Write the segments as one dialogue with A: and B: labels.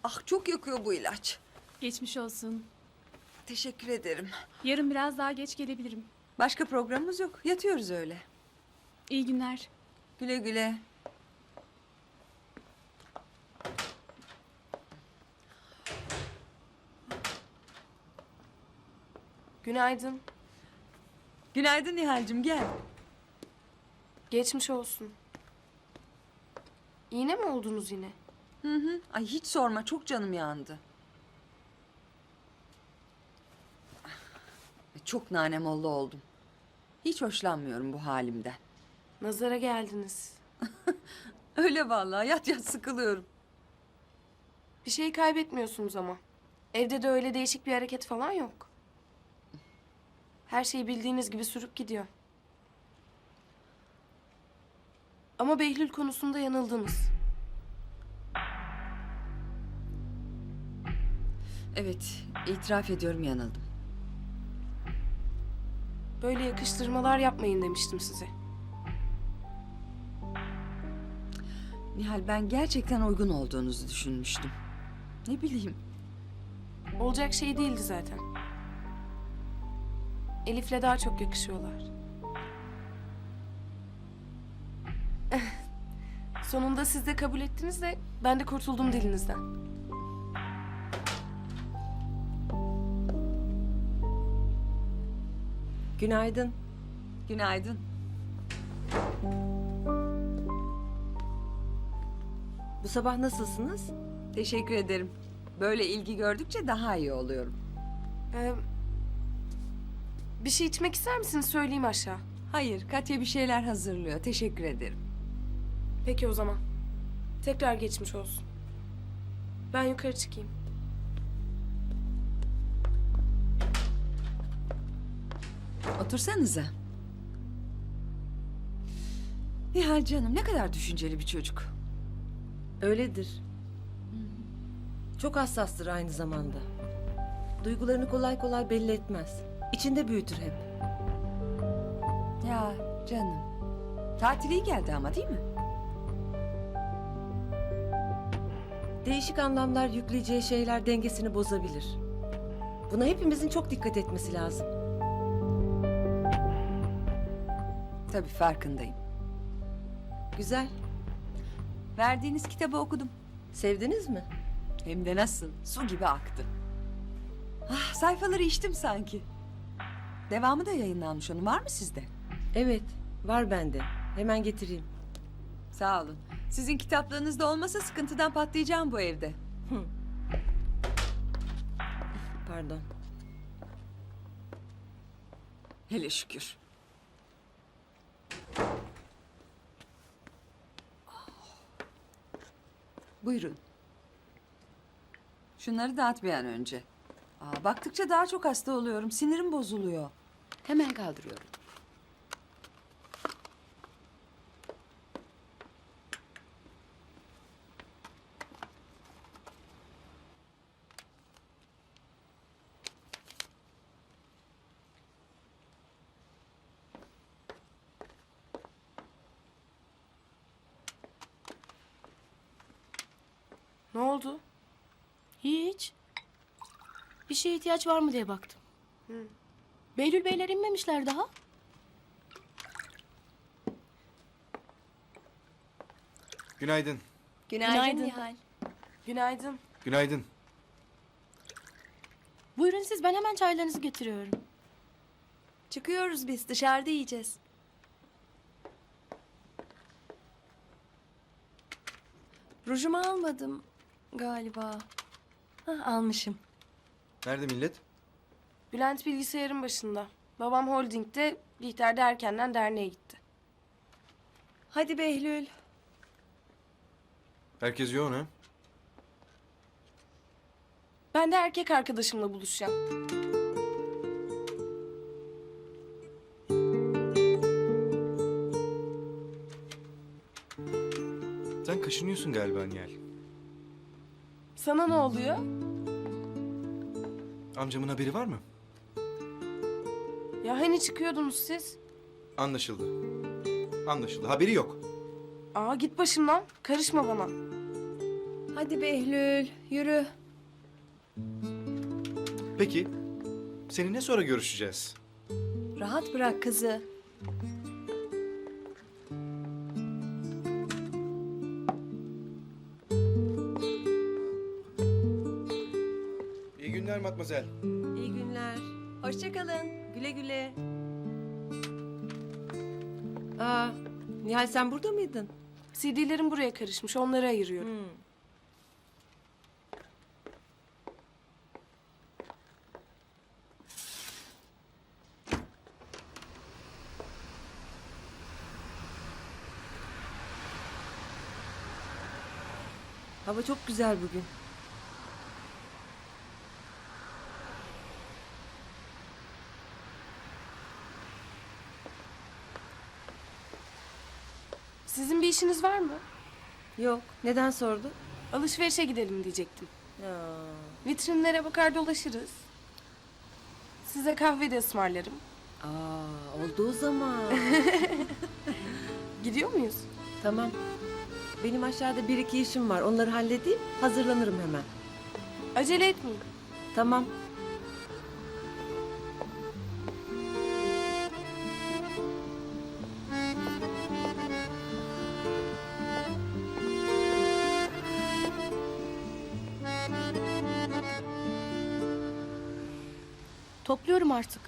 A: Ah çok yakıyor bu ilaç.
B: Geçmiş olsun.
A: Teşekkür ederim.
B: Yarın biraz daha geç gelebilirim.
A: Başka programımız yok. Yatıyoruz öyle.
B: İyi günler.
A: Güle güle.
C: Günaydın.
A: Günaydın Nihal'cim gel.
C: Geçmiş olsun. İğne mi oldunuz yine?
A: Hı hı. Ay hiç sorma çok canım yandı. Çok nanemollu oldum. Hiç hoşlanmıyorum bu halimden.
C: Nazara geldiniz.
A: Öyle vallahi yat yat sıkılıyorum.
C: Bir şey kaybetmiyorsunuz ama. Evde de öyle değişik bir hareket falan yok. Her şey bildiğiniz gibi sürüp gidiyor. Ama Behlül konusunda yanıldınız.
A: Evet itiraf ediyorum yanıldım.
C: Böyle yakıştırmalar yapmayın demiştim size.
A: Nihal ben gerçekten uygun olduğunuzu düşünmüştüm. Ne bileyim.
C: Olacak şey değildi zaten. Elif'le daha çok yakışıyorlar. Sonunda siz de kabul ettiniz de ben de kurtuldum dilinizden.
D: Günaydın.
A: Günaydın.
D: Bu sabah nasılsınız?
A: Teşekkür ederim. Böyle ilgi gördükçe daha iyi oluyorum.
C: Ee, bir şey içmek ister misiniz? Söyleyeyim aşağı.
A: Hayır Katya bir şeyler hazırlıyor. Teşekkür ederim.
C: Peki o zaman. Tekrar geçmiş olsun. Ben yukarı çıkayım.
A: Otursanıza. Nihal canım ne kadar düşünceli bir çocuk.
D: Öyledir. Çok hassastır aynı zamanda. Duygularını kolay kolay belli etmez. İçinde büyütür hep.
A: Ya canım. Tatil iyi geldi ama değil mi?
D: Değişik anlamlar yükleyeceği şeyler dengesini bozabilir. Buna hepimizin çok dikkat etmesi lazım.
A: Tabii farkındayım.
D: Güzel.
A: Verdiğiniz kitabı okudum.
D: Sevdiniz mi?
A: Hem de nasıl? Su gibi aktı. Ah, sayfaları içtim sanki. Devamı da yayınlanmış onun. Var mı sizde?
D: Evet, var bende. Hemen getireyim.
A: Sağ olun. Sizin kitaplarınızda olmasa sıkıntıdan patlayacağım bu evde.
D: Pardon.
A: Hele şükür. Buyurun. Şunları dağıt bir an önce. Baktıkça daha çok hasta oluyorum. Sinirim bozuluyor. Hemen kaldırıyorum.
C: Ne oldu?
E: Hiç. Bir şeye ihtiyaç var mı diye baktım. Behlül Beyler inmemişler daha.
F: Günaydın.
E: Günaydın Nihal.
C: Günaydın.
F: Günaydın.
E: Buyurun siz, ben hemen çaylarınızı getiriyorum.
G: Çıkıyoruz biz, dışarıda yiyeceğiz. Rujumu almadım galiba. Hah, almışım.
F: Nerede millet?
C: Bülent bilgisayarın başında. Babam holdingde, Bihter de erkenden derneğe gitti.
G: Hadi Behlül.
F: Herkes yoğun ha?
C: Ben de erkek arkadaşımla buluşacağım.
F: Sen kaşınıyorsun galiba Nihal.
C: Sana ne oluyor?
F: Amcamın haberi var mı?
C: Ya hani çıkıyordunuz siz?
F: Anlaşıldı. Anlaşıldı. Haberi yok.
C: Aa git başımdan. Karışma bana.
G: Hadi Behlül, yürü.
F: Peki, seninle sonra görüşeceğiz.
G: Rahat bırak kızı.
F: İyi günler Matmazel.
D: İyi günler.
G: Hoşça kalın.
D: Güle güle. Aa, Nihal sen burada mıydın?
C: CD'lerim buraya karışmış. Onları ayırıyorum.
D: Hava çok güzel bugün.
C: Sizin bir işiniz var mı?
D: Yok. Neden sordun?
C: Alışverişe gidelim diyecektim.
D: Ya.
C: Vitrinlere bakar dolaşırız. Size kahve de ısmarlarım.
D: Aa, olduğu zaman.
C: Gidiyor muyuz?
D: Tamam. Benim aşağıda bir iki işim var. Onları halledeyim. Hazırlanırım hemen.
C: Acele etmeyin.
D: Tamam.
E: Topluyorum artık.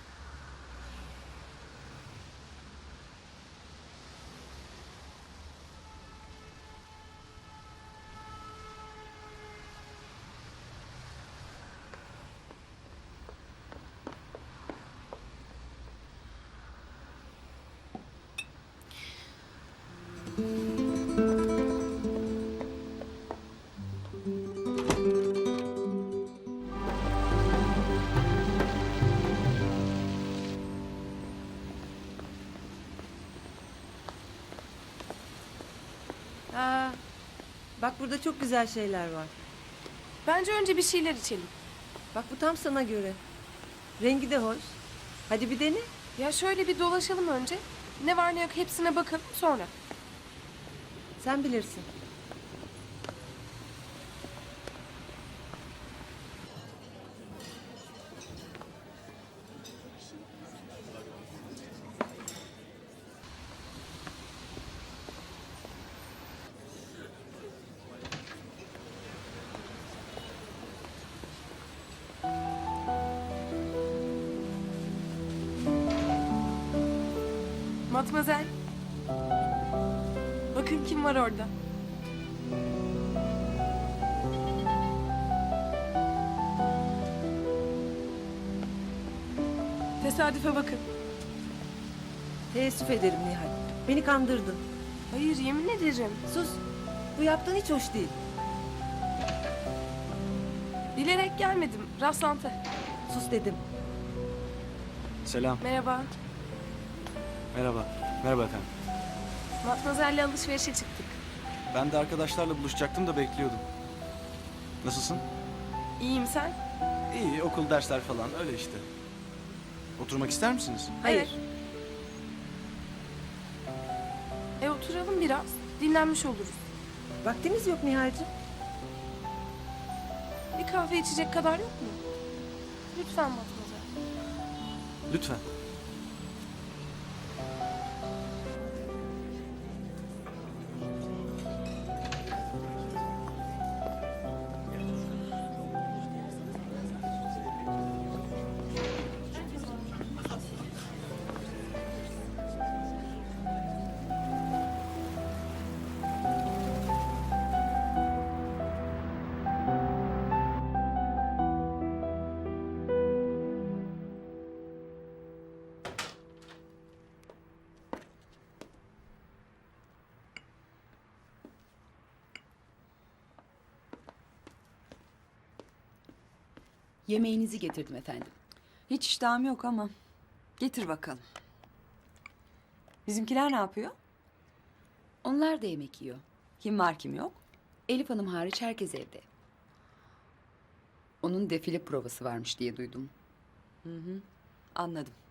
D: Aa, bak burada çok güzel şeyler var.
C: Bence önce bir şeyler içelim.
D: Bak bu tam sana göre. Rengi de hoş. Hadi bir dene.
C: Ya şöyle bir dolaşalım önce. Ne var ne yok hepsine bakalım sonra.
D: Sen bilirsin.
C: Matmazel. Bakın kim var orada. Tesadüfe bakın.
D: Teessüf ederim Nihal. Beni kandırdın.
C: Hayır yemin ederim.
D: Sus. Bu yaptığın hiç hoş değil.
C: Bilerek gelmedim. Rastlantı.
D: Sus dedim.
F: Selam.
C: Merhaba.
H: Merhaba. Merhaba efendim.
C: Matmazel'le alışverişe çıktık.
H: Ben de arkadaşlarla buluşacaktım da bekliyordum. Nasılsın?
C: İyiyim sen?
H: İyi, okul, dersler falan öyle işte. Oturmak ister misiniz?
D: Hayır.
C: Evet. Oturalım biraz. Dinlenmiş oluruz.
D: Vaktimiz yok Nihal'cığım.
C: Bir kahve içecek kadar yok mu? Lütfen Matmazel.
H: Lütfen.
I: Yemeğinizi getirdim efendim.
A: Hiç iştahım yok ama. Getir bakalım. Bizimkiler ne yapıyor?
I: Onlar da yemek yiyor.
A: Kim var kim yok?
I: Elif Hanım hariç herkes evde. Onun defile provası varmış diye duydum.
A: Anladım.